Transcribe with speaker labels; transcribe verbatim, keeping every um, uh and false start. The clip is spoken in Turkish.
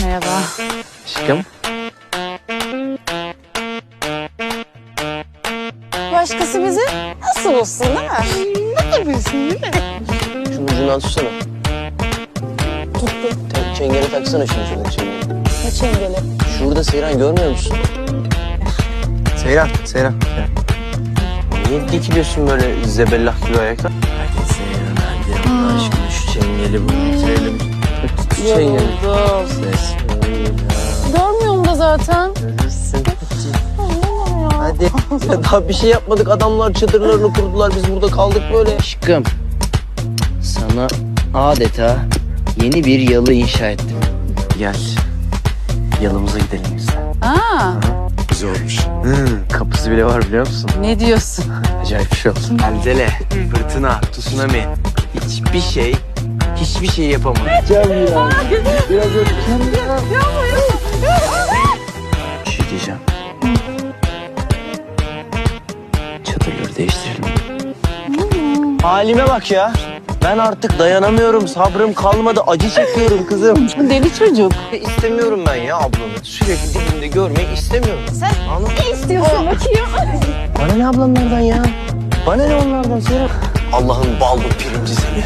Speaker 1: Merhaba.
Speaker 2: Aşkım.
Speaker 1: Başkası bizi nasıl bulsun değil mi? Nasıl bulsun değil mi?
Speaker 2: Şunun ucundan tutsana.
Speaker 1: Tuttum.
Speaker 2: Te- çengeli taksana şunu şuradaki çengeli.
Speaker 1: Ne çengeli?
Speaker 2: Şurada Seyran görmüyor musun? Seyran, Seyran. Seyran. Niye dikiliyorsun böyle zebellah gibi ayakta? Hadi Seyran hadi Allah aşkına şu çengeli bu bitirelim. Tut şu çengeli.
Speaker 1: Yoruldum.
Speaker 2: Seyran.
Speaker 1: Görmüyorum da zaten.
Speaker 2: Görürsün.
Speaker 1: Anlamam ya.
Speaker 2: Hadi. Ya daha bir şey yapmadık. Adamlar çadırlarını kurdular. Biz burada kaldık böyle.
Speaker 3: Aşkım, sana adeta yeni bir yalı inşa ettim.
Speaker 2: Gel. Yalımıza gidelim biz de.
Speaker 1: Aa,
Speaker 2: Güzel olmuş. Hmm, kapısı bile var biliyor musun?
Speaker 1: ne diyorsun?
Speaker 2: Acayip bir şey oldu. Zelzele, fırtına, tsunami. Hiçbir şey, hiçbir şey yapamaz. Can ya. Biraz öpeceğim ya. Bir şey diyeceğim. Çadırları değiştirelim. Halime bak ya. Ben artık dayanamıyorum. Sabrım kalmadı. Acı çekiyorum kızım.
Speaker 1: Deli çocuk.
Speaker 2: İstemiyorum ben ya ablamı. Sürekli dibimde görmeyi istemiyorum.
Speaker 1: Sen
Speaker 2: Anladın mı?
Speaker 1: ne istiyorsun bakayım?
Speaker 2: Bana ne ablamlardan ya? Bana ne onlardan Seyran? Allah'ın ballı pirinci seni.